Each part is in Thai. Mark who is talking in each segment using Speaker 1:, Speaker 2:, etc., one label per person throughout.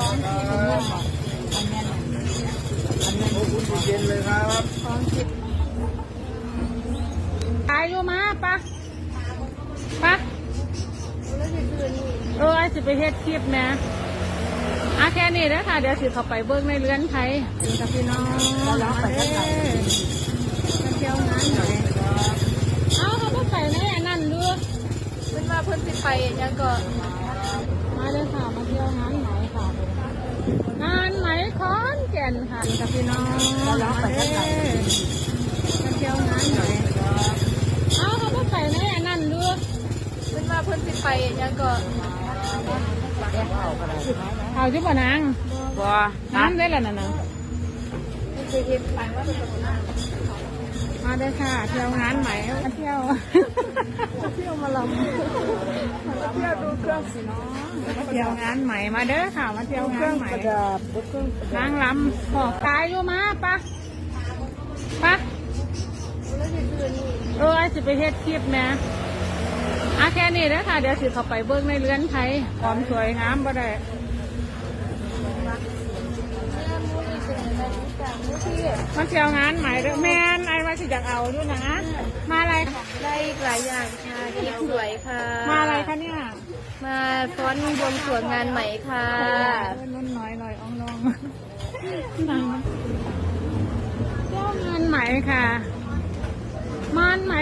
Speaker 1: เย็นเลยครับ
Speaker 2: ตายอยู่มาปะไอ้สิไปเฮ็ดคลิปแม่แค่นี้นะค่ะเดี๋ยวสิเข้าไปเบิ้งในเรือนไทยกับพี่น้องมาเที่ยวงานหน่อยเขาก็ไปในอันนั้นเรือเป็นว่าเพิ่นสิไปยังก็มาเลยค่ะมาเที่ยวงานไหนค่ะงานไหนขอนแก่นค่ะกับพี่น้องมาเที่ยวงานหน่อยเขาก็ไปในอันนั้นเรือเป็นว่าเพิ่นสิไปยังก็เอาจุ๊บนางน้ำได้แล้วนะมาได้ค่ะเที่ยวงานใหม่มาเที่ยวมาลำเที่ยวดูเครื่องสิน้องมาเที่ยวงานใหม่มาเด้อค่ะมาเที่ยวงานใหม่นางลำขอบตายอยู่มาปะไอ้สิไปเฮ็ดคลิปแม่แค่นี้นะค่ะเดี๋ยวสิเข้าไปเบิ้งในเรือนไทยความสวยงามบ่ได้มาเที่ยวงานใหม่เด้อแม่นไอ้ว่าสิอยากเอาด้วยนะมาอะไร
Speaker 3: ได้หลายอย่างค่ะคลิปสวยค่ะ
Speaker 2: มาอะไรคะเนี่ย
Speaker 3: มาฟ้อนบวงสรวงงานใหม่ค่ะ
Speaker 2: นุ่นน้อยลอยอ่องลองเที่ยวงานใหม่ค่ะมานไหม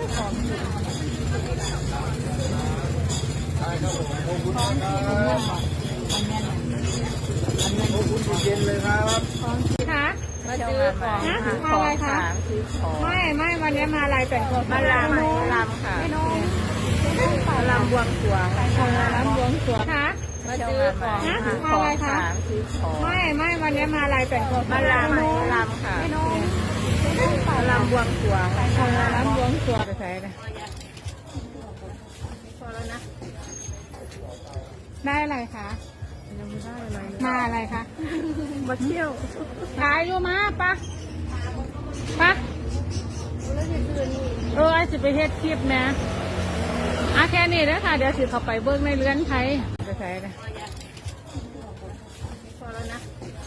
Speaker 1: เย็นเลยครับ
Speaker 2: ค่ะ
Speaker 3: มาซื้อของ
Speaker 2: มาอะไรคะไม่วันนี้มาอะไรแต่งตัว
Speaker 3: มาลำค่ะลำบวงสรวง
Speaker 2: ลำบวงสรวงค่ะ
Speaker 3: มาซื้อของ
Speaker 2: อะไรคะไม่วันนี้มาอะไรแต่งตัว
Speaker 3: มาลำค่ะลำบวงสรวง
Speaker 2: ลำบวงสรวงใส่เลย
Speaker 3: พอแล้วนะ
Speaker 2: ได้อะไรคะ
Speaker 3: ยังไม่ได้อะไร
Speaker 2: มาอะไรคะ
Speaker 3: มาเที่ยว
Speaker 2: ขายอยู่มาปะไอ้สิไปเฮ็ดคลิปแม่แค่นี้นะค่ะเดี๋ยวสิเข้าไปเบิ้งในเรือนไทยใส่เลย
Speaker 3: พอแล้วนะ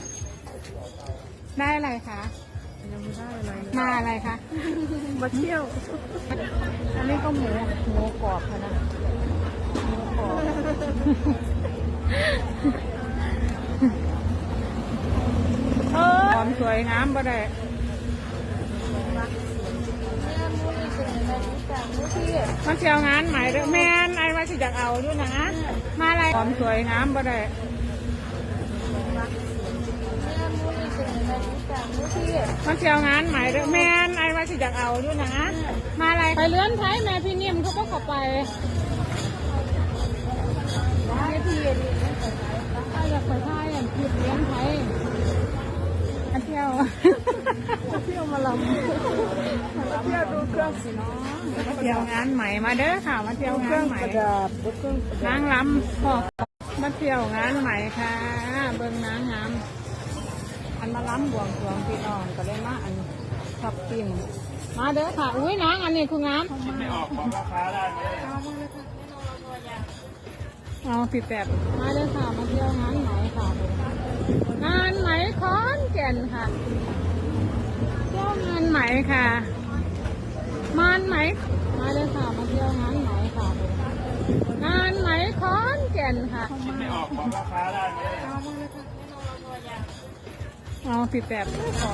Speaker 2: ได้อะไรคะ
Speaker 3: ยังไม่ได้อะไร
Speaker 2: มาอะไรคะ
Speaker 3: มาเที่ยว
Speaker 2: อันนี้ก็หมูกรอบค่ะนะหมูกรอบความสวยงามบ่ได้มาเที่ยวงานใหม่เด้อแม่นไอ้ว่าสิอยากเอาด้วยนะมาอะไรความสวยงามบ่ได้มาเที่ยวงานใหม่เด้อแม่นไอ้ว่าสิอยากเอาด้วยนะมาอะไรไปเลื่อนไทยแม่พี่นิ่มเขาก็ขับไปอยากไปท่ายอย่างผิดเลี้ยงไทยมาเที่ยวมาลำเที่ยวดูเครื่องสิน้องมาเที่ยวงานใหม่มาเด้อค่ะมาเที่ยวงานใหม่นางลำขอบมาเที่ยวงานใหม่ค่ะเบิ่งนางงามอันมาล้ำบวงสรวงพี่น้องก็ได้มาอันชอบกินมาเด้อค่ะอุ้ยนางอันนี้คืองาม
Speaker 1: ไม่ออกของราคาได้ไหม
Speaker 2: เอาผิดแบบมาเด้อค่ะมาเที่ยวงานไหนค่ะงานไหนขอนแก่นค่ะเที่ยวงานไหนค่ะมานไหนมาเด้อค่ะมาเที่ยวงานไหนค่ะงานไหนขอนแก่นค่ะ
Speaker 1: ไม่ออกของราคาได้ไหม
Speaker 2: เอาผิดแบบของ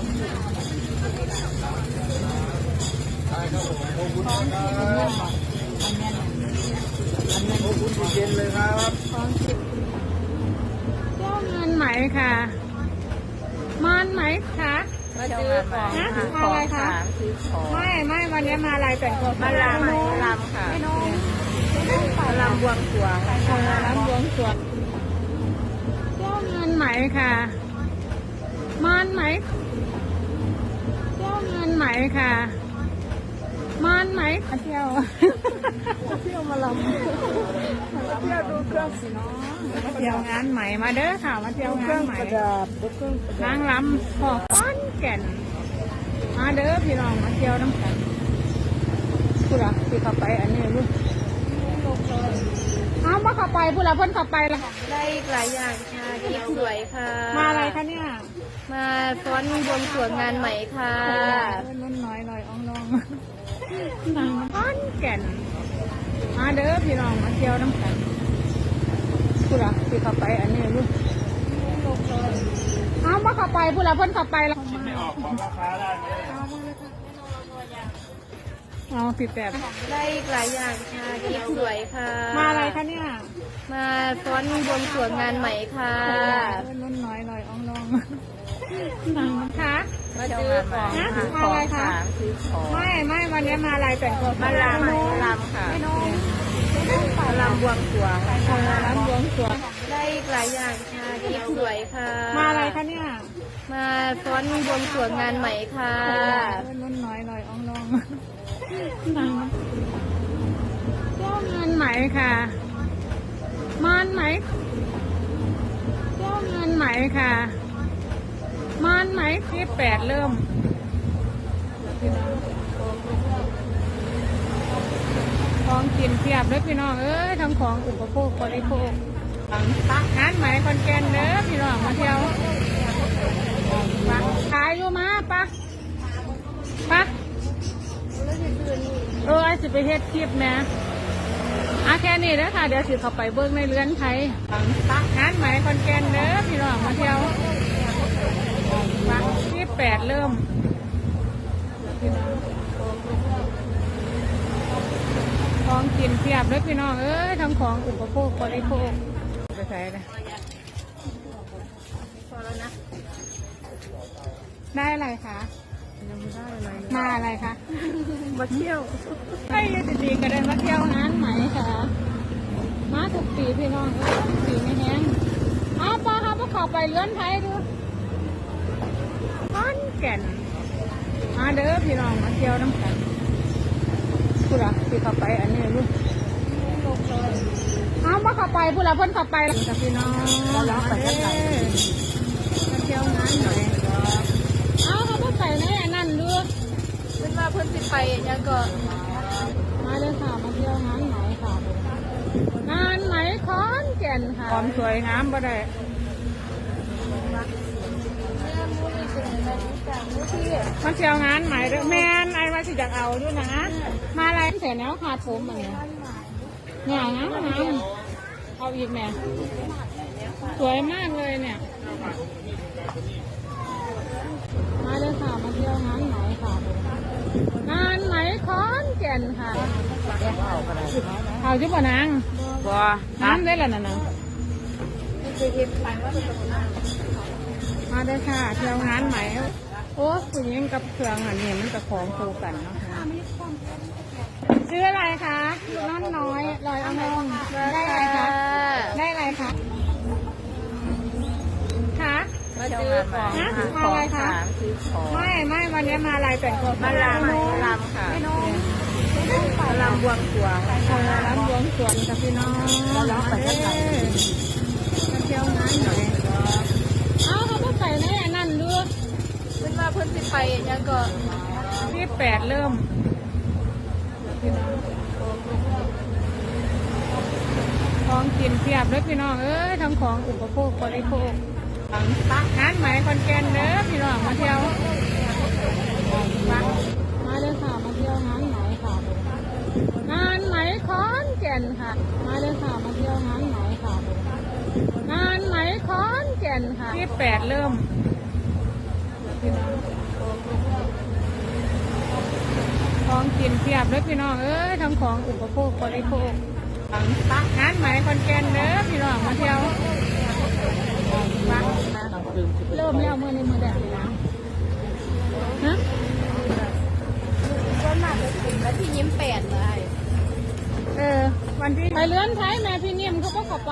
Speaker 1: เย็นเลยครับ
Speaker 2: เที่ยวงานไหมค่ะมานไหมคะ
Speaker 3: มาซื้อของ
Speaker 2: อะไรคะไม่วันนี้มาอะไรแต่งตัว
Speaker 3: มาลำค่ะลำบวงสรวง
Speaker 2: ลำบวงสรวงเที่ยวงานไหมค่ะมานไหมเที่ยวงานไหมค่ะมานไหมมาเที่ยวมาลำเที่ยวดูเครื่องสิน้องมาเที่ยวงานใหม่มาเด้อค่ะมาเที่ยวงานใหม่นางลำขอบก้อนแก่นมาเด้อพี่น้องมาเที่ยวน้ำกันคุณล่ะที่เข้าไปอันนี้ลูกเอามาเข้าไปผู้ละเพิ่นขับไปละ
Speaker 3: ได้หลายอย่างค่ะกิฟสวยค่ะ
Speaker 2: มาอะไรคะเนี่ย
Speaker 3: มาฟ้อนบวงสรวงงานใหม่ค่ะ
Speaker 2: นุ่นน้อยลอยอ่องลองนางขอนแก่นมาเด้อพี่น้องมาเที่ยวน้ำกันผู้ละที่ขับไปอันนี้ลูกเอามาขับไปผู้ละเพิ่นขับไปละ
Speaker 1: คิดไม่ออกบอกราคาได้ไหม
Speaker 2: เอาผิดแบบ
Speaker 3: ได้หลายอย่างค่ะกิฟสวยค่ะ
Speaker 2: มาอะไรคะเนี่ย
Speaker 3: มาฟ้อนบวงสรวงงานใหม่ค่ะ
Speaker 2: นุ่นน้อยลอยอ่องลองนางคะ
Speaker 3: มาซื้อของ
Speaker 2: นะมาอะไรคะ
Speaker 3: ซื้อของ
Speaker 2: ไม่วันนี้มาอะไรแต่งตัว
Speaker 3: มาลำค่ะมาลำบวงสรวง
Speaker 2: ร้านบวงสรวง
Speaker 3: ได้หลายอย่างค่ะกิฟสวยค่ะ
Speaker 2: มาอะไรคะเนี่ย
Speaker 3: มาฟ้อนบวงสรวงงานใหม่ค่ะ
Speaker 2: นุ่นน้อยลอยอ่องลองนางเจ้างานไหมค่ะมานไหมเจ้างานไหมค่ะมานไหมที่8เริ่มของกินเพียบเลยพี่น้องเอ้ยทั้งของอุปโภคบริโภคงานไหมคอนแกนเด้อพี่น้องมาเที่ยวขายอยู่มาปะไอ้สิไปเฮ็ดคลิปนะแค่นี้นะค่ะเดี๋ยวสิเข้าไปเบิ้งในเรือนไทยงานไหมคอนแกนเด้อพี่น้องมาเที่ยวที่8เริ่มของกินเพียบเลยพี่น้องเอ้ยทั้งของอุปโภคบริโภคไปใส่เลย
Speaker 3: พอแล้วนะ
Speaker 2: ได้อะไรคะ
Speaker 3: ยังไม่ได้อะไร
Speaker 2: มาอะไรคะ
Speaker 3: มาเที่ยว
Speaker 2: ให้ยายดีก็ได้มาเที่ยวงานไหมค่ะมาทุกปีพี่น้องปีไม่แห้งป้าครับพวกเขาไปเลื้อนไทยดูขอนแก่นมาเด้อพี่น้องมาเที่ยวน้ำกันผู้ละที่เขาไปอันนี้ลูกมาเขาไปผู้ละเพิ่นเขาไปกับพี่น้องมาเด้อมาเที่ยวงานไหมเขาเพิ่งไปในอันนั้นดู
Speaker 3: เพื่อนว่าเพื่อนสิไปยังก็
Speaker 2: มาเลยค่ะมาเที่ยวงานไหมค่ะงานไหมขอนแก่นค่ะความสวยงามบ่ได้มาเที่ยวงานไหมเด้อแม่นไอ้ว่าสิอยากเอาด้วยนะมาอะไรเสร็จแล้วขาดผมอันนี้เนี่ยงามเอาอีกแม่สวยมากเลยเนี่ยมาเลยค่ะมาเที่ยวงานไหมค่ะงานไหมขอนแก่นค่ะเอาจุ๊บนาง
Speaker 3: บัว
Speaker 2: น้ำได้แล้วนะนางมาได้ค่ะเที่ยวงานไหมโอ้ผู้หญิงกับเครื่องอันนี้มันจะของคู่กันเนาะชื่ออะไรคะน้องน้อยลอยอ่องลองได้อะไรคะได้อะไรคะคะ
Speaker 3: มาซื้อของ
Speaker 2: มาอะไรคะ
Speaker 3: ซื้อของ
Speaker 2: ไม่วันนี้มาอะไรแต่งตัว
Speaker 3: มาลำค่ะมาลำบวงสรวง
Speaker 2: ร้านบวงสรวงกับพี่น้องมาเที่ยวงานหน่อยเขาเพิ่งไปในอันนั้นดู
Speaker 3: เพื่อนว่าเพื่อนสิไปยังก็
Speaker 2: ที่8เริ่มของกินเพียบเลยพี่น้องเอ้ยทั้งของอุปโภคบริโภคงานไหมคอนแกนเด้อพี่น้องมาเที่ยวมาเลยค่ะมาเที่ยวงานไหมค่ะงานไหมขอนแก่นค่ะมาเลยค่ะมาเที่ยวงานไหมค่ะงานไหมขอนแก่นค่ะที่8เริ่มของกินเพียบเลยพี่น้องเอ้ยทั้งของอุปโภคบริโภคงานไหมคอนแกนเด้อพี่น้องมาเที่ยวเริ่มแล้วมือในมือแดดเลยนะฮะ
Speaker 3: ก็มาไปถึงแล้วที่ยิ้มแปดเลย
Speaker 2: วันที่ไปเลื่อนไทยแม่พี่นิ่มเขาก็ขับไป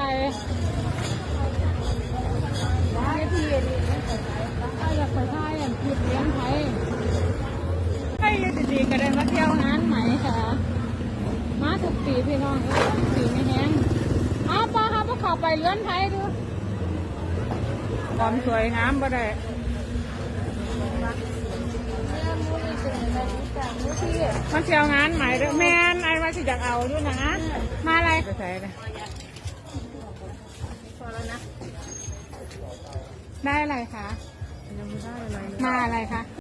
Speaker 2: พี่อยากไปไทยอยากหยุดเลี้ยงไทยให้ยายดีก็ได้มาเที่ยวงานไหมค่ะมาทุกปีพี่น้องปีไม่แห้งป้าครับพวกเขาไปเลื่อนไทยดูความสวยงามบ่ได้มาเที่ยวงานไหมเด้อแม่นไอ้ว่าสิอยากเอาด้วยนะมาอะไรไปใส่เลยได้อะไรคะ
Speaker 3: ยังไม่ได้อะไรเลย
Speaker 2: มาอะไรคะ